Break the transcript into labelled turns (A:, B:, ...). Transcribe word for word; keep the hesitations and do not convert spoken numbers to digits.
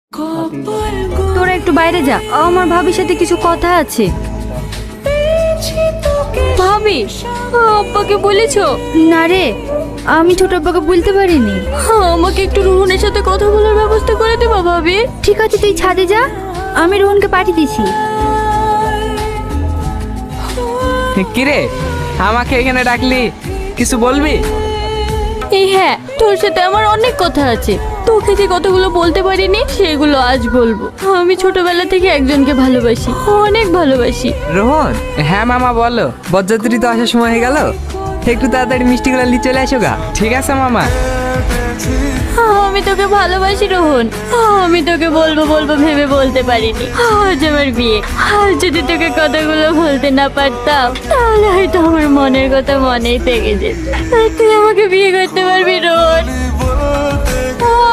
A: তোরা একটু বাইরে যা, আমার ভাবির সাথে কিছু কথা আছে। ভাবি, আব্বাকে বলেছো? না রে, আমি ছোট আব্বাকে বলতে পারিনি। আমাকে একটু রোহনের সাথে কথা বলার ব্যবস্থা করে দেবা ভাবি? ঠিক আছে, তুই ছাদে যা, আমি রোহনকে পাঠিয়ে দিছি।
B: কিরে, আমাকে এখানে ডাকলি, কিছু বলবি?
A: এই হ্যাঁ, তোর সাথে আমার অনেক কথা আছে। তোকে যে কথাগুলো বলতে পারিনি সেগুলো আজ বলবো। আমি ছোটবেলা থেকে একজনকে ভালোবাসি, অনেক ভালোবাসি।
B: রোহন, হ্যাঁ মামা বলো। বরযাত্রী তো আসার সময় হয়ে গেল, একটু তাড়াতাড়ি মিষ্টিগুলো নিয়ে চলে আসো গা। ঠিক আছে মামা।
A: আমি তোকে ভালোবাসি রোহন, আমি তোকে বলবো বলবো ভেবে বলতে পারিনি। আজ আমার বিয়ে, আজ যদি তোকে কথাগুলো বলতে না পারতাম তাহলে হয়তো আমার মনের কথা মনেই থেকে যেত। তুই আমাকে বিয়ে করতে পারবি রোহন?